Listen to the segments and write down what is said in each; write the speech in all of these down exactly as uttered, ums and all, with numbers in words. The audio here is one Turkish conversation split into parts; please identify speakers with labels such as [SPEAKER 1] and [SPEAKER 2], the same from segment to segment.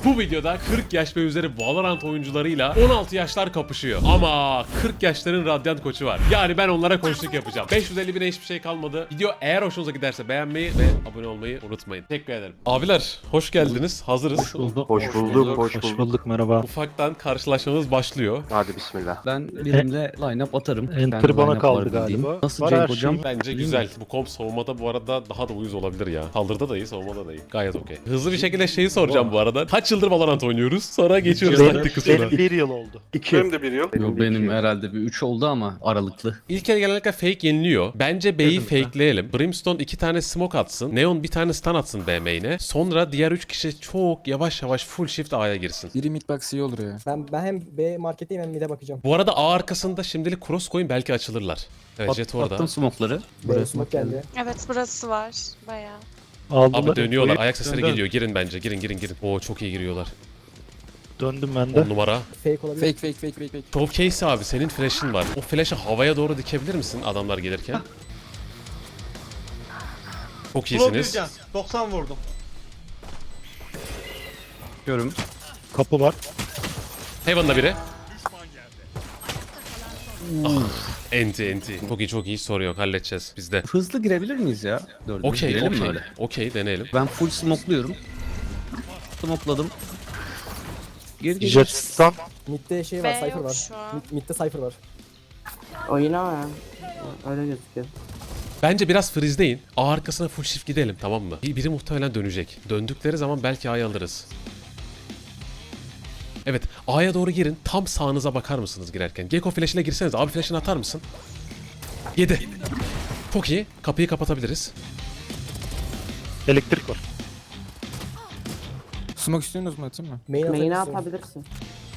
[SPEAKER 1] Bu videoda kırk yaş ve üzeri Valorant oyuncularıyla on altı yaşlar kapışıyor. Ama kırk yaşların Radiant koçu var. Yani ben onlara koçluk yapacağım. beş yüz elli bine hiçbir şey kalmadı. Video eğer hoşunuza giderse beğenmeyi ve abone olmayı unutmayın. Teşekkür ederim. Abiler hoş geldiniz. Hazırız.
[SPEAKER 2] Hoş bulduk.
[SPEAKER 3] Hoş bulduk, hoş
[SPEAKER 2] Hoş
[SPEAKER 3] bulduk.
[SPEAKER 2] bulduk, merhaba.
[SPEAKER 1] Ufaktan karşılaşmamız başlıyor.
[SPEAKER 3] Hadi bismillah.
[SPEAKER 2] Ben birimle line-up atarım.
[SPEAKER 4] Enter
[SPEAKER 2] Kendi
[SPEAKER 4] bana
[SPEAKER 2] line-up
[SPEAKER 4] kaldı
[SPEAKER 2] var bildiğim.
[SPEAKER 4] galiba.
[SPEAKER 2] Nasıl
[SPEAKER 4] Var
[SPEAKER 2] Cenk
[SPEAKER 4] her
[SPEAKER 2] hocam?
[SPEAKER 4] şeyim.
[SPEAKER 1] Bence
[SPEAKER 2] İyi
[SPEAKER 1] güzel.
[SPEAKER 2] mi?
[SPEAKER 1] Bu komp savunmada bu arada daha da uyuz olabilir ya. Saldırıda da iyi, savunmada da iyi. Gayet okey. Hızlı bir şekilde şeyi soracağım bu arada. Kaç yıldır Valorant oynuyoruz? Sonra geçiyoruz
[SPEAKER 4] Benim,
[SPEAKER 1] taktik kısmına.
[SPEAKER 4] benim bir yıl oldu.
[SPEAKER 3] İki. Benim de bir yıl.
[SPEAKER 2] Yok, benim herhalde bir üç oldu ama aralıklı.
[SPEAKER 1] İlk el genellikle fake yeniliyor. Bence B'yi fakeleyelim. Brimstone iki tane smoke atsın. Neon bir tane stun atsın B main'e. Sonra diğer üç kişi çok yavaş yavaş full shift A'ya girsin.
[SPEAKER 5] Biri midbox iyi olur ya.
[SPEAKER 6] Ben, ben hem B marketteyim hem mid'e bakacağım.
[SPEAKER 1] Bu arada A arkasında şimdilik cross koyun, belki açılırlar. Evet,
[SPEAKER 2] At-
[SPEAKER 1] Jet orada.
[SPEAKER 2] Attım smoke'ları.
[SPEAKER 6] B smoke geldi.
[SPEAKER 7] Evet burası var bayağı.
[SPEAKER 4] Aldılar.
[SPEAKER 1] Abi dönüyorlar.
[SPEAKER 4] Oyun-
[SPEAKER 1] Ayak sesleri
[SPEAKER 4] Döndüm.
[SPEAKER 1] geliyor. Girin bence. Girin girin girin. Oo çok iyi giriyorlar.
[SPEAKER 4] Döndüm ben
[SPEAKER 1] on
[SPEAKER 4] de.
[SPEAKER 1] numara.
[SPEAKER 6] Fake olabilir.
[SPEAKER 5] Fake fake fake fake fake.
[SPEAKER 1] Showcase abi, senin flash'ın var. O flash'ı havaya doğru dikebilir misin adamlar gelirken? Çok iyisiniz.
[SPEAKER 8] doksan vurdum.
[SPEAKER 2] Görüm.
[SPEAKER 4] Kapı var.
[SPEAKER 1] Heaven'da biri. Ah, enti enti. Çok iyi çok iyi, soru yok, halledeceğiz biz de.
[SPEAKER 2] Hızlı girebilir miyiz ya? Dördümüz
[SPEAKER 1] Okey
[SPEAKER 2] girelim mi
[SPEAKER 1] okey.
[SPEAKER 2] öyle?
[SPEAKER 1] Okey deneyelim.
[SPEAKER 2] Ben full smokluyorum. Smokeladım. Gir gir.
[SPEAKER 4] Jet stun.
[SPEAKER 6] Mid'de şey var,
[SPEAKER 7] B
[SPEAKER 6] Cypher
[SPEAKER 7] yok
[SPEAKER 6] var.
[SPEAKER 7] şu an.
[SPEAKER 6] Mid, mid'de Cypher var.
[SPEAKER 9] Oyna ya. Öyle gözüküyor.
[SPEAKER 1] Bence biraz freeze'deyin. A arkasına full shift gidelim, tamam mı? Bir- Biri muhtemelen dönecek. Döndükleri zaman belki A'yı alırız. Evet, A'ya doğru girin. Tam sağınıza bakar mısınız girerken? Gecko flash'ine girseniz. Abi flash'ını atar mısın? yedi. Çok iyi. Kapıyı kapatabiliriz.
[SPEAKER 4] Elektrik var.
[SPEAKER 5] Smoke istiyorsunuz mu, atayım mı?
[SPEAKER 6] Main
[SPEAKER 9] Main'e
[SPEAKER 6] atabilirsin.
[SPEAKER 9] atabilirsin.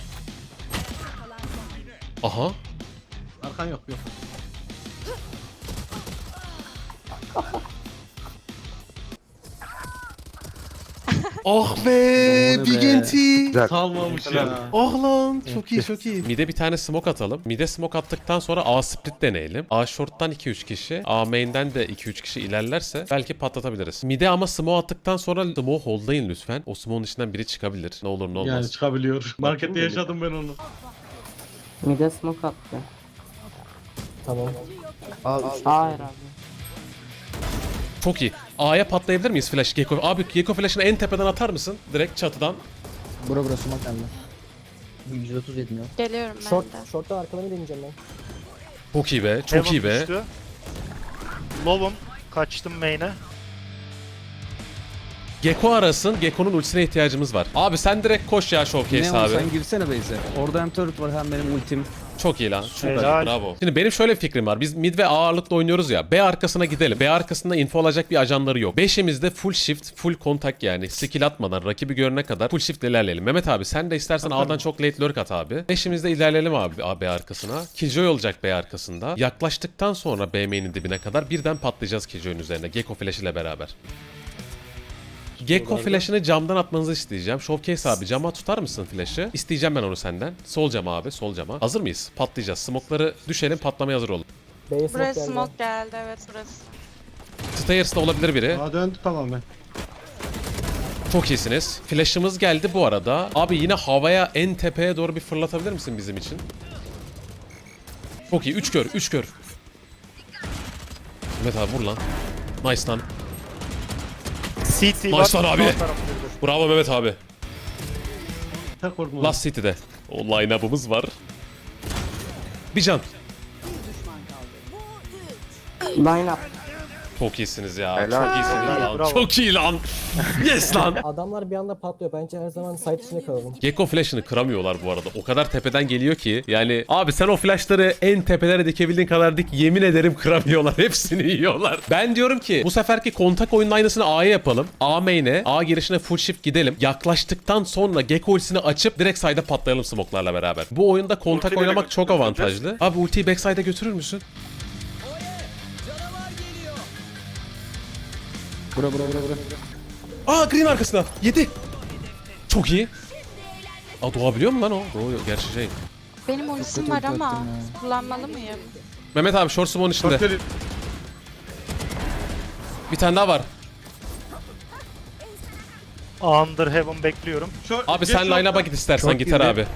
[SPEAKER 1] Aha.
[SPEAKER 8] Arkan yok yok.
[SPEAKER 1] Ah be,
[SPEAKER 2] Ne
[SPEAKER 1] Big
[SPEAKER 2] be.
[SPEAKER 1] Enti.
[SPEAKER 3] Güzel.
[SPEAKER 8] Kalmamış ya.
[SPEAKER 1] Ah lan, çok iyi çok iyi. Mid'e bir tane smoke atalım. Mid'e smoke attıktan sonra A split deneyelim. A short'tan iki üç kişi, A main'den de iki üç kişi ilerlerse belki patlatabiliriz. Mid'e ama smoke attıktan sonra smoke hold'layın lütfen. O smoke'un içinden biri çıkabilir. Ne olur ne olmaz.
[SPEAKER 8] Yani çıkabiliyor. Markette yaşadım ben onu.
[SPEAKER 9] Mide smoke attı.
[SPEAKER 6] Tamam.
[SPEAKER 9] Hayır abi.
[SPEAKER 1] Çok iyi. A'ya patlayabilir miyiz flash Gecko? Abi Gecko flash'ını en tepeden atar mısın? Direkt çatıdan.
[SPEAKER 6] Bura bura smoke geldi.
[SPEAKER 2] yüz otuz yetmiyor.
[SPEAKER 7] Geliyorum ben
[SPEAKER 6] Short,
[SPEAKER 7] de.
[SPEAKER 6] short'tan arkalarını deneyeceğim ben.
[SPEAKER 1] Çok iyi be. Çok
[SPEAKER 4] Heaven
[SPEAKER 1] iyi be.
[SPEAKER 4] düştü. Low'um. Kaçtım main'e.
[SPEAKER 1] Gecko arasın. Gecko'nun ultisine ihtiyacımız var. Abi sen direkt koş ya Showcase
[SPEAKER 2] Ne
[SPEAKER 1] abi.
[SPEAKER 2] sen girsene base'e. Orada hem turret var hem benim ultim.
[SPEAKER 1] Çok iyi lan. Süper.
[SPEAKER 4] Helal.
[SPEAKER 1] Bravo. Şimdi benim şöyle bir fikrim var. Biz mid ve A ağırlıklı oynuyoruz ya. B arkasına gidelim. B arkasında info alacak bir ajanları yok. Beşimizde full shift, full kontak yani. Skill atmadan rakibi görene kadar full shift ilerleyelim. Mehmet abi sen de istersen A'dan çok late lurk at abi. Beşimizde ilerleyelim abi A- B arkasına. Killjoy olacak B arkasında. Yaklaştıktan sonra B main'in dibine kadar birden patlayacağız Killjoy'un üzerine. Gecko flash ile beraber. Gecko flash'ını camdan atmanızı isteyeceğim. Showcase abi cama tutar mısın flash'ı? İsteyeceğim ben onu senden. Sol cama abi, sol cama. Hazır mıyız? Patlayacağız. Smoke'ları düşelim, patlamaya hazır olun.
[SPEAKER 6] B'ye smoke
[SPEAKER 7] Buraya
[SPEAKER 6] geldi.
[SPEAKER 7] smoke geldi, evet burası.
[SPEAKER 1] Stairs'da olabilir biri.
[SPEAKER 8] Aa döndü tamamen.
[SPEAKER 1] Çok iyisiniz. Flash'ımız geldi bu arada. Abi yine havaya en tepeye doğru bir fırlatabilir misin bizim için? Çok iyi. üç kör, üç kör. Mehmet abi vur lan. Nice lan.
[SPEAKER 4] C T var.
[SPEAKER 1] Nice lan abi.
[SPEAKER 4] Sağ tarafta bir de.
[SPEAKER 1] Bravo Mehmet abi.
[SPEAKER 8] Tek korkma.
[SPEAKER 1] Last City'de. O line-up'ımız var. Bir can.
[SPEAKER 9] Line up.
[SPEAKER 1] Çok iyisiniz ya.
[SPEAKER 3] Helal.
[SPEAKER 1] Çok iyisiniz
[SPEAKER 4] Helal,
[SPEAKER 1] lan.
[SPEAKER 4] bravo.
[SPEAKER 1] Çok iyi lan. Yes lan.
[SPEAKER 6] Adamlar bir anda patlıyor. Bence her zaman site içinde kalalım.
[SPEAKER 1] Gecko flash'ını kıramıyorlar bu arada. O kadar tepeden geliyor ki. Yani abi sen o flash'ları en tepelere dikebildiğin kadar dik, yemin ederim kıramıyorlar. Hepsini yiyorlar. Ben diyorum ki bu seferki kontak oyunun aynısını A'ya yapalım. A main'e, A girişine full shift gidelim. Yaklaştıktan sonra Gecko ultisini açıp direkt side'a patlayalım smoke'larla beraber. Bu oyunda kontak
[SPEAKER 3] Ultiyle
[SPEAKER 1] oynamak
[SPEAKER 3] mi
[SPEAKER 1] çok
[SPEAKER 3] götüreceğiz?
[SPEAKER 1] avantajlı. Abi ultiyi backside'a götürür müsün?
[SPEAKER 5] Bura bura bura bura.
[SPEAKER 1] Aa green arkasına. yedi. Çok iyi. Aa doğabiliyor mu lan o? Doğuyor. Gerçi şey.
[SPEAKER 7] Benim ultim
[SPEAKER 5] kötü
[SPEAKER 7] var
[SPEAKER 5] ulti
[SPEAKER 7] ama
[SPEAKER 5] attın ya.
[SPEAKER 7] kullanmalı mıyım?
[SPEAKER 1] Mehmet abi short smoke'un içinde.
[SPEAKER 8] Bakıyorum.
[SPEAKER 1] Bir tane daha var.
[SPEAKER 4] Under Heaven bekliyorum.
[SPEAKER 8] Short-
[SPEAKER 1] Abi
[SPEAKER 8] geç
[SPEAKER 1] sen
[SPEAKER 8] short'a.
[SPEAKER 1] line'a bak git istersen
[SPEAKER 2] Çok
[SPEAKER 1] gitar
[SPEAKER 2] girdi.
[SPEAKER 1] abi.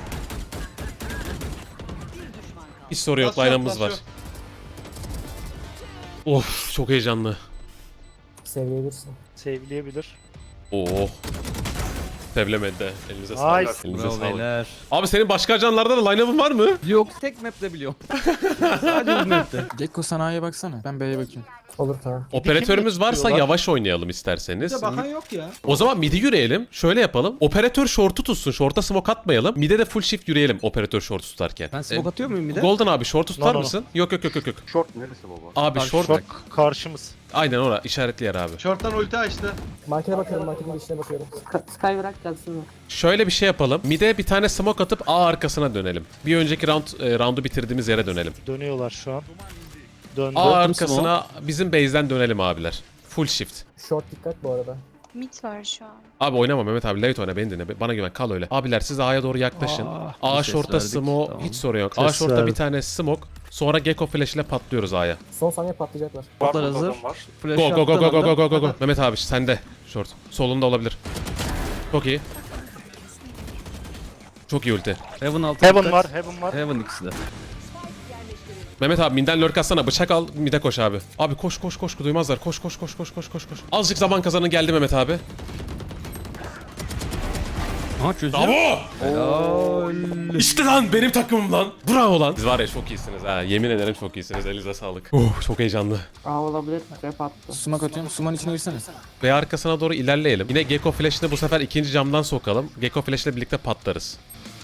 [SPEAKER 1] Hiç soru yok,
[SPEAKER 8] Last shot,
[SPEAKER 1] line'ımız
[SPEAKER 8] last
[SPEAKER 1] var.
[SPEAKER 8] shot.
[SPEAKER 1] Of çok heyecanlı.
[SPEAKER 6] Seviyebilirsin.
[SPEAKER 4] Sevleyebilir.
[SPEAKER 1] Oo. Sevlemedi de. Elinize
[SPEAKER 4] Nice.
[SPEAKER 1] sağlık. Elinize
[SPEAKER 2] Bravo
[SPEAKER 1] sağlık.
[SPEAKER 2] beyler.
[SPEAKER 1] Abi senin başka ajanlarda da line-up'ın var mı?
[SPEAKER 2] Yok tek map'te biliyorum. Sadece bu map'te.
[SPEAKER 5] Gekko sen A'ya baksana. Ben B'ye bakayım.
[SPEAKER 6] Olur tamam.
[SPEAKER 1] Operatörümüz varsa
[SPEAKER 4] tutuyorlar?
[SPEAKER 1] yavaş oynayalım isterseniz.
[SPEAKER 8] Bir de bakan yok ya.
[SPEAKER 1] O zaman midi yürüyelim. Şöyle yapalım. Operatör short'u tutsun. Short'a smoke atmayalım. Mid'e de full shift yürüyelim operatör short'u tutarken.
[SPEAKER 2] Ben smoke atıyor muyum bir de?
[SPEAKER 1] Golden abi short'u tutar
[SPEAKER 4] No, no, no.
[SPEAKER 1] mısın? Yok yok yok yok yok.
[SPEAKER 3] Short neresi baba?
[SPEAKER 1] Abi short.
[SPEAKER 4] Short karşımız.
[SPEAKER 1] Aynen ora işaretli yer abi.
[SPEAKER 8] Short'tan ulti açtı.
[SPEAKER 6] Markete bakıyorum, marketin içine bakıyorum.
[SPEAKER 9] Sky, Sky bırak gelsin mi?
[SPEAKER 1] Şöyle bir şey yapalım. Mid'e bir tane smoke atıp A arkasına dönelim. Bir önceki round e, roundu bitirdiğimiz yere dönelim.
[SPEAKER 4] Dönüyorlar şu an. Döndü.
[SPEAKER 1] A arkasına bizim base'den dönelim abiler. Full shift.
[SPEAKER 6] Short dikkat bu arada.
[SPEAKER 7] Mid var şu an.
[SPEAKER 1] Abi oynama Mehmet abi, late oyna, beni dinle. Bana güven, kal öyle. Abiler siz A'ya doğru yaklaşın.
[SPEAKER 2] Aa,
[SPEAKER 1] A
[SPEAKER 2] bir ses
[SPEAKER 1] short'a
[SPEAKER 2] verdik,
[SPEAKER 1] smoke
[SPEAKER 2] tamam.
[SPEAKER 1] hiç sorun yok.
[SPEAKER 2] Ses
[SPEAKER 1] A short'a bir
[SPEAKER 2] verdik.
[SPEAKER 1] tane smoke. Sonra Gecko flash ile patlıyoruz A'ya.
[SPEAKER 6] Son saniye patlayacaklar.
[SPEAKER 2] Botlar hazır. Flash
[SPEAKER 1] Go go go go
[SPEAKER 2] attığın
[SPEAKER 1] go go
[SPEAKER 2] anda-
[SPEAKER 1] go go go. Mehmet abi sende. Short. Solunda olabilir. Çok iyi. Çok iyi ulti.
[SPEAKER 2] Heaven altı.
[SPEAKER 4] Heaven
[SPEAKER 2] dikkat.
[SPEAKER 4] var, Heaven var.
[SPEAKER 2] Heaven ikisi de.
[SPEAKER 1] Mehmet abi minden lurk atsana, bıçak al, mide koş abi. Abi koş koş koş, duymazlar. Koş koş koş koş koş koş koş. Azıcık zaman kazanın, geldi Mehmet abi.
[SPEAKER 2] Aha çözüyor.
[SPEAKER 1] Bravo! İşte lan benim takımım lan. Bravo lan. Siz var ya çok iyisiniz ha. Yemin ederim çok iyisiniz. Elinize sağlık. Oh çok heyecanlı.
[SPEAKER 9] A olabilir. Trap attı.
[SPEAKER 5] Smoke atıyorum. Suman içine girsene.
[SPEAKER 1] Ve arkasına doğru ilerleyelim. Yine Gecko flash'ını bu sefer ikinci camdan sokalım. Gecko flash'le birlikte patlarız.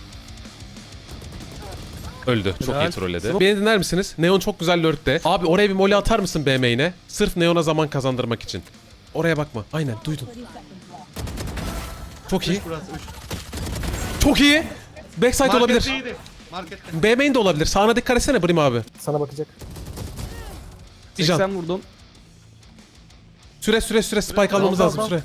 [SPEAKER 1] Öldü. Çok iyi
[SPEAKER 2] Helal.
[SPEAKER 1] trolledi. Beni dinler misiniz? Neon çok güzel lurk'te. Abi oraya bir molly atar mısın B main'e? Sırf Neon'a zaman kazandırmak için. Oraya bakma. Aynen duydum. Çok iyi.
[SPEAKER 8] Burası üç.
[SPEAKER 1] Çok iyi. Backside
[SPEAKER 8] Market
[SPEAKER 1] olabilir.
[SPEAKER 8] iyiydi. Markette.
[SPEAKER 1] B main de olabilir. Sağına dikkat etsene Brim abi.
[SPEAKER 6] Sana bakacak.
[SPEAKER 1] İcan.
[SPEAKER 2] seksen vurdum.
[SPEAKER 1] Süre süre süre spike almamız
[SPEAKER 2] Al, al,
[SPEAKER 1] lazım
[SPEAKER 2] al.
[SPEAKER 1] süre.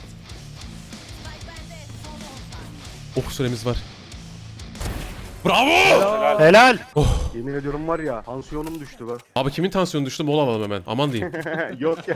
[SPEAKER 1] Oh süremiz var. Bravo!
[SPEAKER 4] Helal.
[SPEAKER 3] Yemin ediyorum var ya tansiyonum düştü be.
[SPEAKER 1] Abi kimin tansiyonu düştü? Mola alalım hemen. Aman diyeyim.
[SPEAKER 3] Yok yok.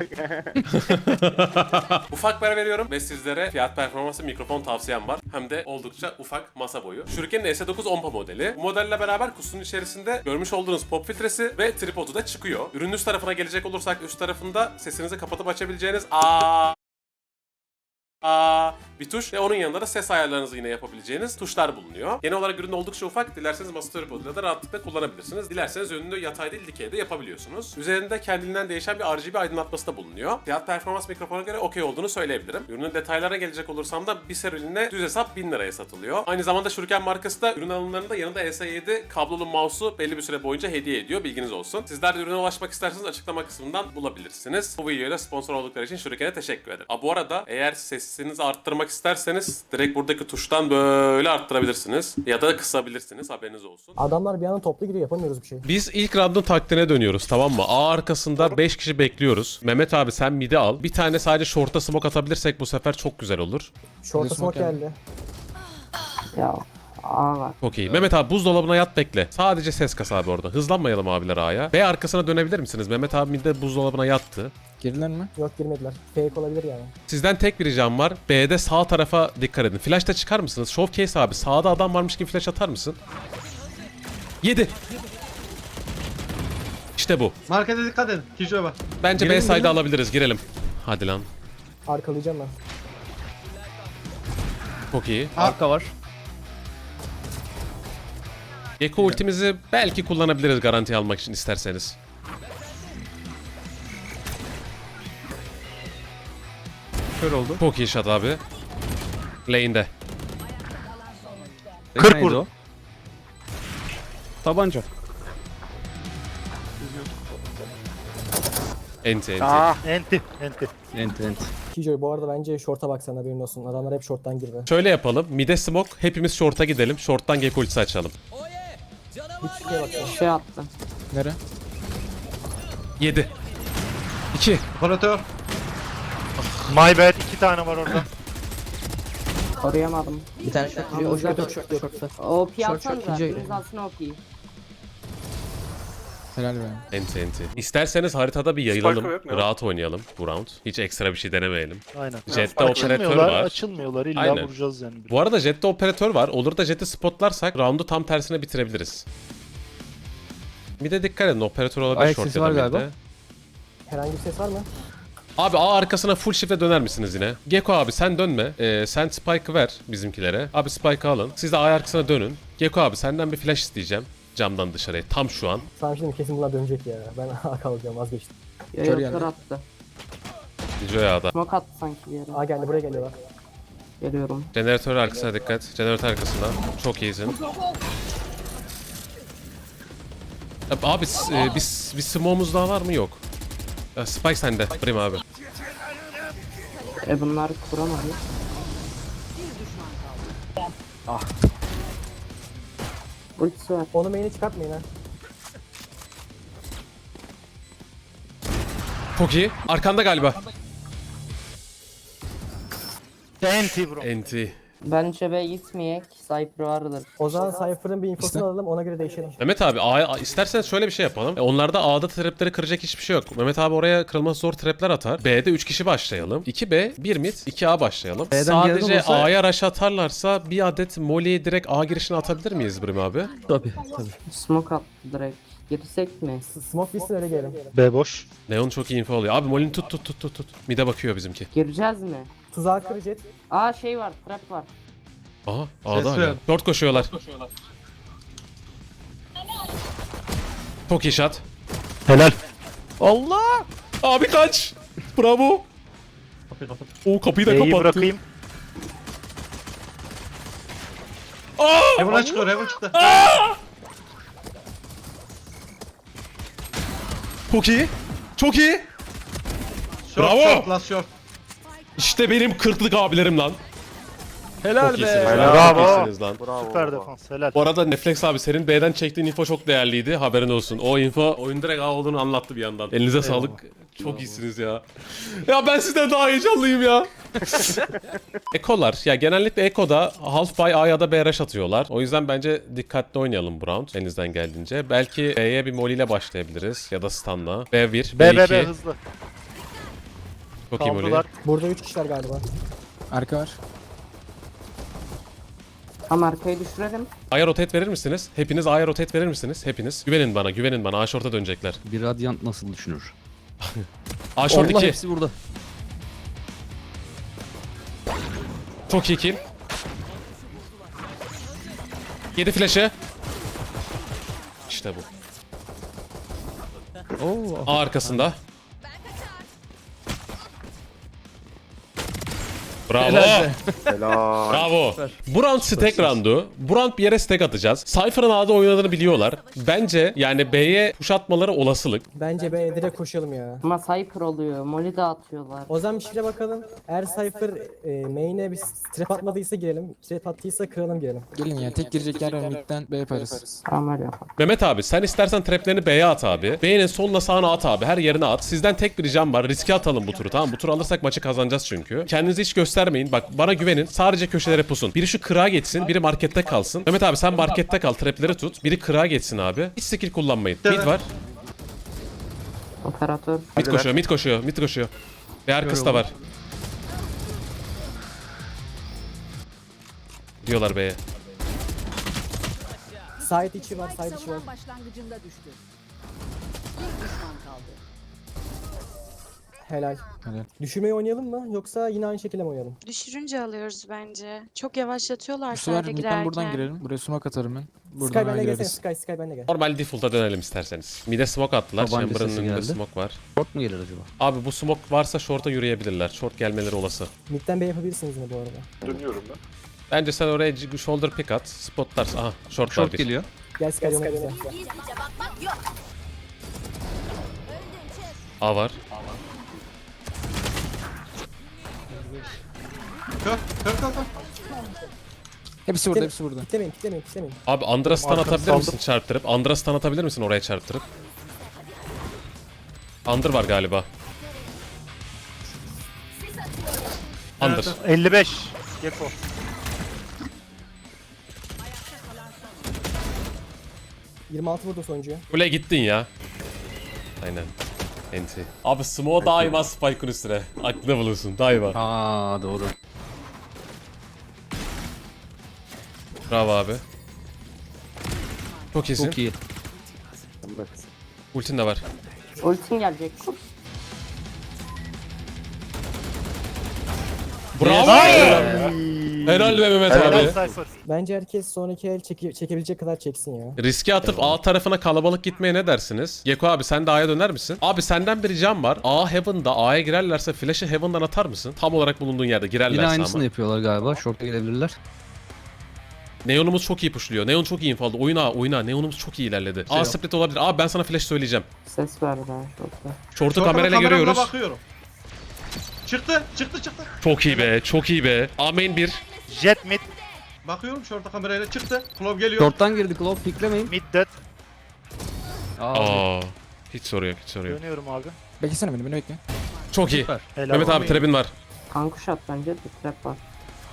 [SPEAKER 1] Ufak ver veriyorum ve sizlere fiyat performansı mikrofon tavsiyem var. Hem de oldukça ufak masa boyu. Shuriken'in S dokuz Ompa modeli. Bu modelle beraber kutunun içerisinde görmüş olduğunuz pop filtresi ve tripodu da çıkıyor. Ürünün üst tarafına gelecek olursak üst tarafında sesinizi kapatıp açabileceğiniz aa Aa, bir tuş ve onun yanında da ses ayarlarınızı yine yapabileceğiniz tuşlar bulunuyor. Genel olarak ürün oldukça ufak. Dilerseniz masa tripoduyla da rahatlıkla kullanabilirsiniz. Dilerseniz önünde yatay değil dikey de yapabiliyorsunuz. Üzerinde kendiliğinden değişen bir R G B aydınlatması da bulunuyor. Fiyat performans mikrofona göre okey olduğunu söyleyebilirim. Ürünün detaylarına gelecek olursam da bir serüline düz hesap bin liraya satılıyor. Aynı zamanda Shuriken markası da ürün alımlarında yanında E S yedi kablolu mouse'u belli bir süre boyunca hediye ediyor. Bilginiz olsun. Sizler de ürüne ulaşmak isterseniz açıklama kısmından bulabilirsiniz. Bu videoyla sponsor oldukları için Shuriken'e teşekkür ederim. Aa, bu arada eğer sesinizi arttırmak isterseniz direkt buradaki tuştan böyle arttırabilirsiniz. Ya da kısabilirsiniz. Haberiniz olsun.
[SPEAKER 6] Adamlar bir anda toplu gidiyor, yapamıyoruz bir şey.
[SPEAKER 1] Biz ilk round'un taktiğine dönüyoruz, tamam mı? A arkasında beş kişi bekliyoruz. Mehmet abi sen mid'i al. Bir tane sadece short'a smoke atabilirsek bu sefer çok güzel olur.
[SPEAKER 6] Short'a smoke geldi.
[SPEAKER 9] Ya A var.
[SPEAKER 1] Çok iyi. Mehmet abi buzdolabına yat bekle. Sadece ses kas abi orada. Hızlanmayalım abiler A'ya. B arkasına dönebilir misiniz? Mehmet abi mid'de buzdolabına yattı.
[SPEAKER 5] Girdiler mi?
[SPEAKER 6] Yok girmediler. Fake olabilir yani.
[SPEAKER 1] Sizden tek bir ricam var. B'de sağ tarafa dikkat edin. Flash'ta çıkar mısınız? Showcase abi sağda adam varmış gibi flash atar mısın? yedi. İşte bu.
[SPEAKER 8] Markete dikkat edin. Kijo'ya bak.
[SPEAKER 1] Bence B
[SPEAKER 2] Girelim,
[SPEAKER 1] side'ı
[SPEAKER 2] girelim.
[SPEAKER 1] alabiliriz. Girelim. Hadi lan.
[SPEAKER 6] Arkalayacağım ben.
[SPEAKER 1] Çok iyi.
[SPEAKER 2] Arka var.
[SPEAKER 1] Gecko ultimizi belki kullanabiliriz garanti almak için isterseniz.
[SPEAKER 2] Kör oldu.
[SPEAKER 1] Çok iyi shot abi. Lane'de.
[SPEAKER 4] kırk
[SPEAKER 2] Neydi
[SPEAKER 4] vurdu.
[SPEAKER 2] o? Tabanca.
[SPEAKER 1] Enti enti.
[SPEAKER 3] Ah
[SPEAKER 4] Enti, enti.
[SPEAKER 2] Ent ent.
[SPEAKER 6] Kijoy bu arada bence short'a bak sen, haberin olsun. Adamlar hep short'tan girdi.
[SPEAKER 1] Şöyle yapalım. Mid'e smoke. Hepimiz short'a gidelim. Short'tan Gecko ultisi açalım.
[SPEAKER 6] Hiç şeye bak sen.
[SPEAKER 9] Şey attı.
[SPEAKER 5] Nere?
[SPEAKER 1] yedi. iki.
[SPEAKER 8] Operatör.
[SPEAKER 4] My bad. iki tane var orada.
[SPEAKER 9] Koruyamadım.
[SPEAKER 2] Bir tane short giriyor. O short short short.
[SPEAKER 9] O P
[SPEAKER 2] Short,
[SPEAKER 9] atsanıza.
[SPEAKER 2] short, iyice.
[SPEAKER 9] İmzasını O P.
[SPEAKER 5] Helal be.
[SPEAKER 1] Enti enti. İsterseniz haritada bir yayılalım.
[SPEAKER 3] Spike'ı yok, ne var?
[SPEAKER 1] Rahat oynayalım bu round. Hiç ekstra bir şey denemeyelim.
[SPEAKER 4] Aynen.
[SPEAKER 1] Jet'te operatör
[SPEAKER 4] Açılmıyorlar,
[SPEAKER 1] var.
[SPEAKER 4] açılmıyorlar. İlla
[SPEAKER 1] Aynen.
[SPEAKER 4] vuracağız yani.
[SPEAKER 1] Bu arada Jet'te operatör var. Olur da Jet'i spotlarsak roundu tam tersine bitirebiliriz. Bir de dikkat edin, operatör olabilir
[SPEAKER 2] Ayak
[SPEAKER 1] short
[SPEAKER 2] sesi
[SPEAKER 1] ya da
[SPEAKER 2] var galiba.
[SPEAKER 1] midde.
[SPEAKER 6] Herhangi bir ses var mı?
[SPEAKER 1] Abi A arkasına full shift'e döner misiniz yine? Gecko abi sen dönme. Ee, sen Spike'ı ver bizimkilere. Abi Spike'ı alın. Siz de A arkasına dönün. Gecko abi senden bir flash isteyeceğim. Camdan dışarıya. Tam şu an.
[SPEAKER 6] Sana şimdi kesin bunlar dönecek ya. Ben A kalacağım vazgeçtim.
[SPEAKER 5] Kör
[SPEAKER 9] Kör
[SPEAKER 5] geldi.
[SPEAKER 9] attı.
[SPEAKER 1] Joya A'da.
[SPEAKER 9] Smoke attı sanki bir yere.
[SPEAKER 6] A geldi buraya geliyorlar.
[SPEAKER 9] Geliyorum.
[SPEAKER 1] Jeneratör arkasına dikkat. Jeneratör arkasında. Çok iyisin. Abi s- e, biz bir smoke'umuz daha var mı? Yok. Ya, Spike sende. Brim abi.
[SPEAKER 9] E bunlar kuramadı.
[SPEAKER 6] Ah.
[SPEAKER 9] Ultisi var.
[SPEAKER 6] Onu main'e çıkartmayın ha.
[SPEAKER 1] Çok iyi. Arkanda galiba.
[SPEAKER 4] Enti bro.
[SPEAKER 1] Enti.
[SPEAKER 9] Bence be gitmeyek. Cypher vardır.
[SPEAKER 6] O zaman Cypher'ın bir infosunu
[SPEAKER 5] İşte.
[SPEAKER 6] alalım ona göre değişelim.
[SPEAKER 1] Mehmet abi A, A- isterseniz şöyle bir şey yapalım. E, onlarda A'da trapleri kıracak hiçbir şey yok. Mehmet abi oraya kırılması zor trapler atar. B'de üç kişi başlayalım. iki B, bir mid, iki A başlayalım.
[SPEAKER 2] B'den
[SPEAKER 1] Sadece
[SPEAKER 2] gelen olsa-
[SPEAKER 1] A'ya rush atarlarsa bir adet Molly'yi direkt A girişine atabilir miyiz Brim abi?
[SPEAKER 2] Tabii tabii.
[SPEAKER 9] Smoke attı direkt. Girsek mi?
[SPEAKER 6] Smoke bitsin öyle gelelim.
[SPEAKER 4] B boş.
[SPEAKER 1] Neon çok iyi info oluyor. Abi Molly'ni tut tut tut tut tut. Mid'e bakıyor bizimki.
[SPEAKER 9] Gireceğiz mi?
[SPEAKER 6] Tuzağa kır jet.
[SPEAKER 9] Aa şey var. Trap var.
[SPEAKER 1] Aha A'da
[SPEAKER 8] Ses
[SPEAKER 1] hala.
[SPEAKER 8] ver.
[SPEAKER 1] Short koşuyorlar. Çok iyi shot.
[SPEAKER 4] Helal.
[SPEAKER 1] Allah! Abi kaç! Bravo! O kapıyı da
[SPEAKER 4] B'yi
[SPEAKER 1] kapattı.
[SPEAKER 4] bırakayım.
[SPEAKER 8] Heaven'a çıkıyor, Heaven çıktı.
[SPEAKER 1] Çok iyi. Çok iyi.
[SPEAKER 8] Short,
[SPEAKER 1] Bravo.
[SPEAKER 8] short, last short.
[SPEAKER 1] İşte benim kırklık abilerim lan.
[SPEAKER 2] Helal
[SPEAKER 1] Çok
[SPEAKER 2] be.
[SPEAKER 1] iyisiniz lan.
[SPEAKER 4] Bravo.
[SPEAKER 1] Çok iyisiniz lan.
[SPEAKER 3] Bravo
[SPEAKER 4] Süper
[SPEAKER 3] baba.
[SPEAKER 4] defans. Helal.
[SPEAKER 1] Bu arada Netflix abi senin B'den çektiğin info çok değerliydi. Haberin olsun. O info oyun direkt A olduğunu anlattı bir yandan. Elinize sağlık. Çok iyisiniz ya. Ya ben sizden daha heyecanlıyım ya. Ekolar. Ya genellikle Eko'da half buy A ya da B rush atıyorlar. O yüzden bence dikkatli oynayalım bu round. Elinizden geldiğince. Belki B'ye bir molly ile başlayabiliriz. Ya da stun'la. B bir,
[SPEAKER 4] B
[SPEAKER 1] B
[SPEAKER 4] B
[SPEAKER 1] iki.
[SPEAKER 4] B hızlı.
[SPEAKER 1] Çok iyi molly.
[SPEAKER 4] Kaldılar.
[SPEAKER 6] Burada üç kişiler galiba.
[SPEAKER 5] Arka var.
[SPEAKER 9] Ama arkayı düşürelim.
[SPEAKER 1] A'ya rotate verir misiniz? Hepiniz A'ya rotate verir misiniz? Hepiniz. Güvenin bana, güvenin bana. A short'a dönecekler.
[SPEAKER 2] Bir radyant nasıl düşünür?
[SPEAKER 1] A short
[SPEAKER 2] Allah
[SPEAKER 1] iki.
[SPEAKER 2] hepsi burada.
[SPEAKER 1] Çok iyi kill. Yedi flash'ı. İşte bu.
[SPEAKER 2] Oo.
[SPEAKER 1] A arkasında. Bravo.
[SPEAKER 2] Helal be.
[SPEAKER 3] Helal.
[SPEAKER 1] Bravo. Bu round stack roundu. Bu round bir yere stack atacağız. Cypher'ın A'da oynadığını biliyorlar. Bence yani B'ye push atmaları olasılık.
[SPEAKER 6] Bence B'ye direkt koşalım ya.
[SPEAKER 9] Ama Cypher oluyor. Molly de atıyorlar.
[SPEAKER 6] O zaman bir şeye bakalım. Eğer Cypher e, main'e bir trap atmadıysa girelim. Trap attıysa kıralım girelim.
[SPEAKER 5] Gelin ya tek girecek yer var. Mid'den B yaparız.
[SPEAKER 9] Tamam öyle yapalım.
[SPEAKER 1] Mehmet abi sen istersen traplerini B'ye at abi. B'nin soluna sağına at abi. Her yerine at. Sizden tek bir ricam var. Riske atalım bu turu, tamam. Bu turu alırsak maçı kazanacağız çünkü. Kendinizi hiç göstermeyin. Bak bana güvenin. Sadece köşelere pusun. Biri şu kırağa geçsin. Biri markette kalsın. Mehmet abi sen markette kal. Trapleri tut. Biri kırağa geçsin abi. Hiç skill kullanmayın. Mid var.
[SPEAKER 9] Operatör.
[SPEAKER 1] Mid koşuyor. Mid koşuyor. Mid koşuyor. Ve arkası da var. Diyorlar B'ye.
[SPEAKER 6] Side içi var, side içi var.
[SPEAKER 10] başlangıcında düştü. Bir düşman kaldı.
[SPEAKER 6] Helal.
[SPEAKER 5] Helal.
[SPEAKER 6] Düşürmeyi oynayalım mı? Yoksa yine aynı şekilde mi oynayalım?
[SPEAKER 7] Düşürünce alıyoruz bence. Çok yavaşlatıyorlar
[SPEAKER 5] Bu sefer
[SPEAKER 7] sayda
[SPEAKER 5] mid'den
[SPEAKER 7] girerken.
[SPEAKER 5] buradan girelim. Buraya smoke atarım ben.
[SPEAKER 6] Sky
[SPEAKER 5] Buradan A'ya
[SPEAKER 6] benle gelsene,
[SPEAKER 5] gireriz.
[SPEAKER 6] Sky, Sky benle gel.
[SPEAKER 1] Normal default'a dönelim isterseniz. Mid'e smoke attılar.
[SPEAKER 2] Tabanca
[SPEAKER 1] Chamber'ın
[SPEAKER 2] sesi
[SPEAKER 1] önünde
[SPEAKER 2] geldi.
[SPEAKER 1] smoke var.
[SPEAKER 2] Short mu gelir acaba?
[SPEAKER 1] Abi bu smoke varsa short'a yürüyebilirler. Short gelmeleri olası.
[SPEAKER 6] Mid'den B yapabilirsiniz mi bu arada?
[SPEAKER 3] Dönüyorum ben.
[SPEAKER 1] Bence sen oraya c- shoulder pick at. Spotlarsın. Aha short, var
[SPEAKER 2] Short
[SPEAKER 1] bir.
[SPEAKER 2] geliyor.
[SPEAKER 6] Gel Sky yanıma bize.
[SPEAKER 1] A var.
[SPEAKER 8] Kör, kör, kör, kör.
[SPEAKER 5] Hepsi burada hepsi burada.
[SPEAKER 6] Kitlemeyin, kitlemeyin, kitlemeyin.
[SPEAKER 1] Abi Andra stun
[SPEAKER 4] Arkamı
[SPEAKER 1] atabilir
[SPEAKER 4] saldım.
[SPEAKER 1] misin çarptırıp? Andra stun atabilir misin oraya çarptırıp? Under var galiba. Under.
[SPEAKER 4] elli beş. Gecko.
[SPEAKER 6] yirmi altı vurdu sonuncuya.
[SPEAKER 1] Kule gittin ya. Aynen. Enti. Abi Smo daima Spike'ın üstüne. Aklında bulunsun daima.
[SPEAKER 2] Aa doğru.
[SPEAKER 1] Bravo abi. Çok iyisin.
[SPEAKER 2] Çok iyi.
[SPEAKER 1] Ultin de var.
[SPEAKER 9] Ultin gelecek.
[SPEAKER 1] Bravo! Helal be Mehmet
[SPEAKER 4] Helal
[SPEAKER 1] abi.
[SPEAKER 4] Cypher.
[SPEAKER 6] Bence herkes sonraki el çeke- çekebilecek kadar çeksin ya.
[SPEAKER 1] Riske atıp A tarafına kalabalık gitmeye ne dersiniz? Geko abi sen de A'ya döner misin? Abi senden bir ricam var. A Heaven'da A'ya girerlerse flash'ı Heaven'dan atar mısın? Tam olarak bulunduğun yerde girerlerse
[SPEAKER 2] Yine
[SPEAKER 1] ama.
[SPEAKER 2] aynısını yapıyorlar galiba. Short'a gelebilirler.
[SPEAKER 1] Neon'umuz çok iyi pushluyor. Neon çok iyi info aldı. Oyna oyna. Neon'umuz çok iyi ilerledi. A split olabilir. Abi ben sana flash söyleyeceğim.
[SPEAKER 9] Ses verdi ha şurada.
[SPEAKER 1] Short'u
[SPEAKER 8] Şorta
[SPEAKER 1] kamerayla
[SPEAKER 8] kameramla
[SPEAKER 1] görüyoruz.
[SPEAKER 8] bakıyorum. Çıktı, çıktı, çıktı.
[SPEAKER 1] Çok iyi be. Çok iyi be. A main bir.
[SPEAKER 4] Jet mid.
[SPEAKER 8] Bakıyorum şorta kamerayla çıktı. Klov geliyor.
[SPEAKER 2] Short'tan girdi Claw. Piklemeyin.
[SPEAKER 4] Mid dead.
[SPEAKER 2] Aa.
[SPEAKER 1] Aa. Hiç soru yok. Hiç soru yok.
[SPEAKER 4] Dönüyorum abi.
[SPEAKER 5] Beklesene beni, beni bekle.
[SPEAKER 1] Çok iyi.
[SPEAKER 2] Süper.
[SPEAKER 4] Helal
[SPEAKER 1] Mehmet abi trap'in var.
[SPEAKER 9] Kankuş at bence de trap var.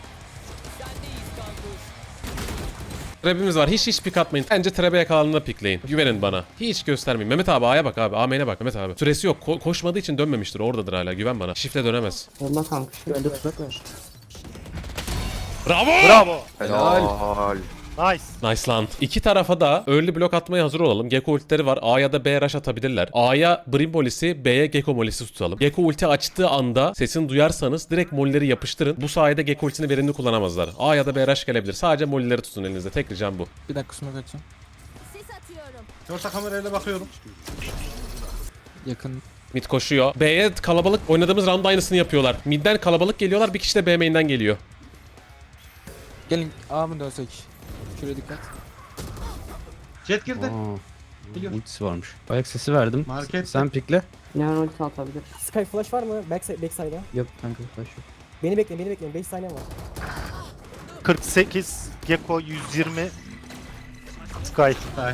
[SPEAKER 1] Trap'imiz var. Hiç hiç pick atmayın. Bence trap'e yakalandığında pickleyin. Güvenin bana. Hiç göstermeyin. Mehmet abi A'ya bak abi. A main'e bak Mehmet abi. Süresi yok. Ko- koşmadığı için dönmemiştir. Oradadır hala. Güven bana. Shift'e dönemez.
[SPEAKER 9] Yolla kankuş.
[SPEAKER 5] Bende tuzak var.
[SPEAKER 1] Bravo!
[SPEAKER 4] Bravo.
[SPEAKER 3] Helal.
[SPEAKER 4] Nice.
[SPEAKER 1] Nice lan. İki tarafa da early block atmaya hazır olalım. Gecko ultileri var. A ya da B rush atabilirler. A'ya Brim molisi, B'ye Gecko molisi tutalım. Gecko ulti açtığı anda sesini duyarsanız direkt molleri yapıştırın. Bu sayede Gecko ultisini verimli kullanamazlar. A ya da B rush gelebilir. Sadece molleri tutun elinizde. Tek ricam bu.
[SPEAKER 5] Bir dakika smoke atacağım.
[SPEAKER 8] Şorta kamerayla bakıyorum.
[SPEAKER 5] Yakın.
[SPEAKER 1] Mid koşuyor. B'ye kalabalık oynadığımız round aynısını yapıyorlar. Mid'den kalabalık geliyorlar. Bir kişi de B main'den geliyor.
[SPEAKER 5] Gelin A mı dönsek? Şuraya dikkat.
[SPEAKER 8] Jet girdi.
[SPEAKER 2] Aa. Ultisi varmış. Ayak sesi verdim.
[SPEAKER 8] Market.
[SPEAKER 2] Sen pikle.
[SPEAKER 9] Neon ulti atabilir.
[SPEAKER 6] Sky flash var mı? Backside, backside'a.
[SPEAKER 2] Yap kanka. Flash yok.
[SPEAKER 6] Beni bekleyin, beni bekleyin. beş saniye var.
[SPEAKER 4] kırk sekiz. Gecko yüz yirmi. Sky.
[SPEAKER 8] Hay.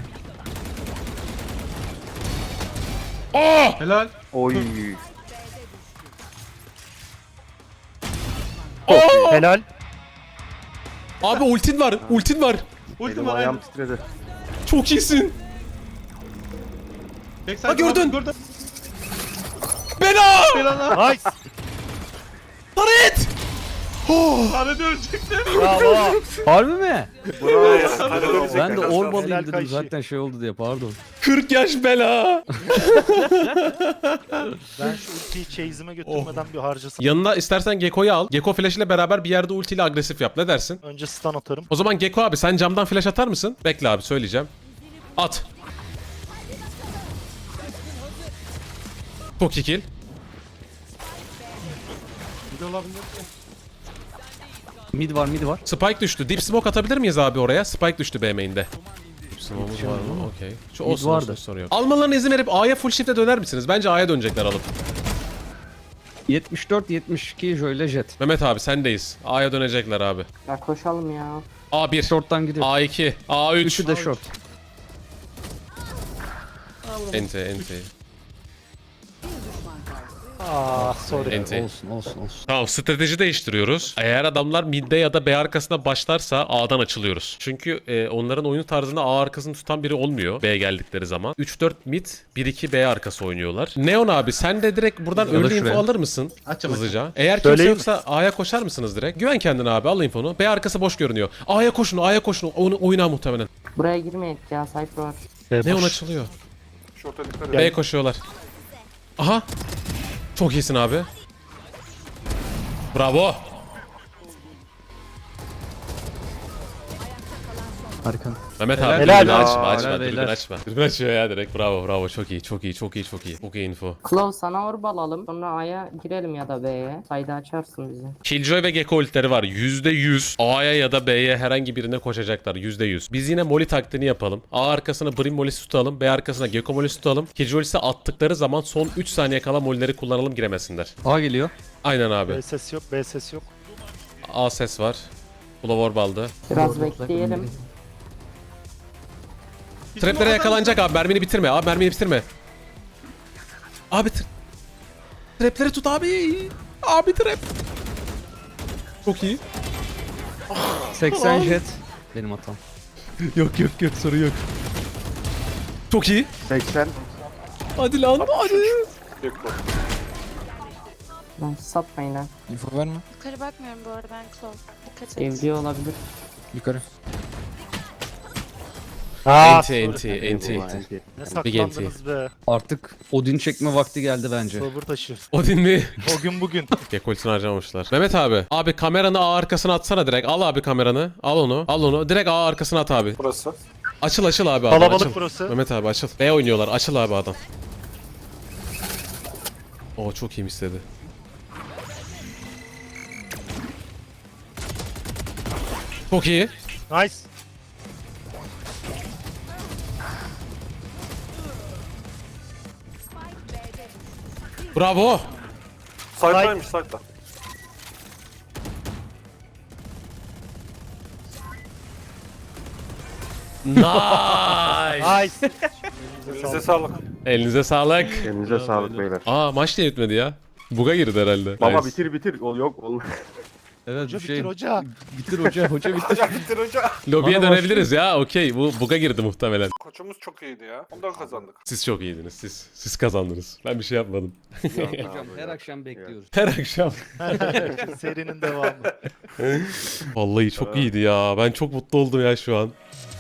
[SPEAKER 1] Aa!
[SPEAKER 8] Helal.
[SPEAKER 3] Oy.
[SPEAKER 4] Helal.
[SPEAKER 1] Abi ultin var. Ultin var.
[SPEAKER 8] Ultim
[SPEAKER 3] Elim
[SPEAKER 8] var.
[SPEAKER 3] ayağım titredi.
[SPEAKER 1] Çok iyisin.
[SPEAKER 8] Backside
[SPEAKER 1] Ha, gördün.
[SPEAKER 8] Gördün.
[SPEAKER 1] Bela!
[SPEAKER 8] Helal.
[SPEAKER 4] Nice.
[SPEAKER 1] Taret!
[SPEAKER 8] Hadi ölecektim.
[SPEAKER 4] Bravo.
[SPEAKER 2] Harbi mi?
[SPEAKER 3] Bravo.
[SPEAKER 2] Ben de orb
[SPEAKER 4] Helal
[SPEAKER 2] alayım dedim
[SPEAKER 4] Kayşi.
[SPEAKER 2] zaten şey oldu diye pardon.
[SPEAKER 1] kırk yaş bela.
[SPEAKER 4] Ben şu ultiyi chase'ime götürmeden bir harcasın.
[SPEAKER 1] Yanına istersen Gekko'yu al. Gekko flash ile beraber bir yerde ultiyle agresif yap. Ne dersin?
[SPEAKER 4] Önce stun atarım.
[SPEAKER 1] O zaman Gekko abi sen camdan flash atar mısın? Bekle abi söyleyeceğim. At. Çok iyi kill.
[SPEAKER 8] Bir de olabilir.
[SPEAKER 2] Mid var mid var.
[SPEAKER 1] Spike düştü. Deep smoke atabilir miyiz abi oraya? Spike düştü B main'de. Deep smoke'umuz var mı? Okey. Şu
[SPEAKER 2] Mid
[SPEAKER 1] olsun
[SPEAKER 2] vardı.
[SPEAKER 1] olsun sorun yok. Almalarına izin verip A'ya full shift'e döner misiniz? Bence A'ya dönecekler alıp.
[SPEAKER 2] yetmiş dört yetmiş iki Joy'le Jet.
[SPEAKER 1] Mehmet abi sendeyiz. A'ya dönecekler abi.
[SPEAKER 9] Ya koşalım ya.
[SPEAKER 1] A bir.
[SPEAKER 2] Short'tan gidiyor.
[SPEAKER 1] A iki. A üç.
[SPEAKER 2] Üçü de short.
[SPEAKER 1] Ente ente.
[SPEAKER 4] Ah sorry.
[SPEAKER 1] Ente.
[SPEAKER 2] Olsun olsun olsun.
[SPEAKER 1] Tamam strateji değiştiriyoruz. Eğer adamlar midde ya da B arkasına başlarsa A'dan açılıyoruz. Çünkü e, onların oyun tarzında A arkasını tutan biri olmuyor B geldikleri zaman. üç dört mid, bir iki B arkası oynuyorlar. Neon abi sen de direkt buradan
[SPEAKER 2] Ya da
[SPEAKER 1] early info
[SPEAKER 2] şuraya.
[SPEAKER 1] alır mısın?
[SPEAKER 8] Açım,
[SPEAKER 1] Hızlıca. Eğer kimse
[SPEAKER 4] Söyleyeyim mi?
[SPEAKER 1] yoksa A'ya koşar mısınız direkt? Güven kendine abi al infonu. B arkası boş görünüyor. A'ya koşun A'ya koşun. Onu oyna muhtemelen.
[SPEAKER 9] Buraya girmeyin ya Cypher var.
[SPEAKER 1] Neon açılıyor.
[SPEAKER 3] Şorta dikkat et.
[SPEAKER 1] B koşuyorlar. Aha. Çok iyisin abi. Bravo.
[SPEAKER 2] Harika.
[SPEAKER 1] Mehmet abi
[SPEAKER 4] Helal.
[SPEAKER 1] dürbünü
[SPEAKER 4] Helal.
[SPEAKER 1] açma açma
[SPEAKER 2] Helal,
[SPEAKER 1] dürbünü
[SPEAKER 2] helal.
[SPEAKER 1] açma. Dürbünü açıyor ya direkt bravo bravo çok iyi çok iyi çok iyi çok iyi. Çok iyi info.
[SPEAKER 9] Claw sana orb alalım. Sonra A'ya girelim ya da B'ye. Sayda açarsın bizi.
[SPEAKER 1] Killjoy ve Gekko ultileri var. yüzde yüz A'ya ya da B'ye herhangi birine koşacaklar. yüzde yüz. Biz yine Molly taktiğini yapalım. A arkasına Brim Molly'si tutalım. B arkasına Gekko Molly'si tutalım. Killjoy ise attıkları zaman son üç saniye kala Molly'leri kullanalım giremesinler.
[SPEAKER 2] A geliyor.
[SPEAKER 1] Aynen abi.
[SPEAKER 4] B ses yok, B ses yok.
[SPEAKER 1] A ses var. Blower baldı.
[SPEAKER 9] Biraz bekleyelim.
[SPEAKER 1] Traplere yakalanacak abi. Mermini bitirme. Abi mermini bitirme. Abi tra- Trapleri tut abi. Abi trap. Çok iyi.
[SPEAKER 2] seksen Jet. Benim hatam.
[SPEAKER 1] Yok yok yok soru yok. Çok iyi.
[SPEAKER 3] seksen.
[SPEAKER 1] Hadi lan hadi.
[SPEAKER 3] Bir kol.
[SPEAKER 9] Lan satmayın ha.
[SPEAKER 5] Info verme.
[SPEAKER 7] Yukarı bakmıyorum bu arada ben Claw. Dikkat et.
[SPEAKER 9] Evliyor olabilir.
[SPEAKER 5] Yukarı.
[SPEAKER 4] Aa,
[SPEAKER 1] Enti
[SPEAKER 4] sorry.
[SPEAKER 1] enti enti enti.
[SPEAKER 4] Ne
[SPEAKER 1] Big enti.
[SPEAKER 4] saklandınız be.
[SPEAKER 2] Artık Odin çekme vakti geldi bence.
[SPEAKER 4] Sabır taşı.
[SPEAKER 1] Odin mi?
[SPEAKER 4] O gün bugün.
[SPEAKER 1] Gekoltini harcamamışlar. Mehmet abi. Abi kameranı A arkasına atsana direkt. Al abi kameranı. Al onu. Al onu. Direkt A arkasına at abi.
[SPEAKER 3] Burası.
[SPEAKER 1] Açıl açıl abi adam.
[SPEAKER 4] Kalabalık
[SPEAKER 1] Açıl.
[SPEAKER 4] burası.
[SPEAKER 1] Mehmet abi açıl. B oynuyorlar. Açıl abi adam. Oo çok iyi istedi. Çok iyi.
[SPEAKER 4] Nice.
[SPEAKER 1] Bravo.
[SPEAKER 3] Side'daymış side'da.
[SPEAKER 1] Nice.
[SPEAKER 4] Nice.
[SPEAKER 3] Elinize sağlık.
[SPEAKER 1] Elinize sağlık.
[SPEAKER 3] Elinize sağlık beyler.
[SPEAKER 1] Aa maç niye bitmedi ya? Buga girdi herhalde.
[SPEAKER 3] Baba
[SPEAKER 1] Nice.
[SPEAKER 3] bitir bitir. Ol yok ol.
[SPEAKER 2] Evet
[SPEAKER 4] Hoca
[SPEAKER 2] bir şey.
[SPEAKER 4] bitir hoca.
[SPEAKER 2] Bitir hoca, hoca bitir.
[SPEAKER 3] Hoca bitir hoca.
[SPEAKER 1] Lobiye
[SPEAKER 2] Bana
[SPEAKER 1] dönebiliriz ya. Okey. Bu buga girdi muhtemelen.
[SPEAKER 3] Koçumuz çok iyiydi ya. Ondan kazandık.
[SPEAKER 1] Siz çok iyiydiniz. Siz siz kazandınız. Ben bir şey yapmadım.
[SPEAKER 2] Hocam her akşam bekliyoruz.
[SPEAKER 1] Her akşam.
[SPEAKER 4] Serinin devamı.
[SPEAKER 1] Vallahi çok iyiydi ya. Ben çok mutlu oldum ya şu an.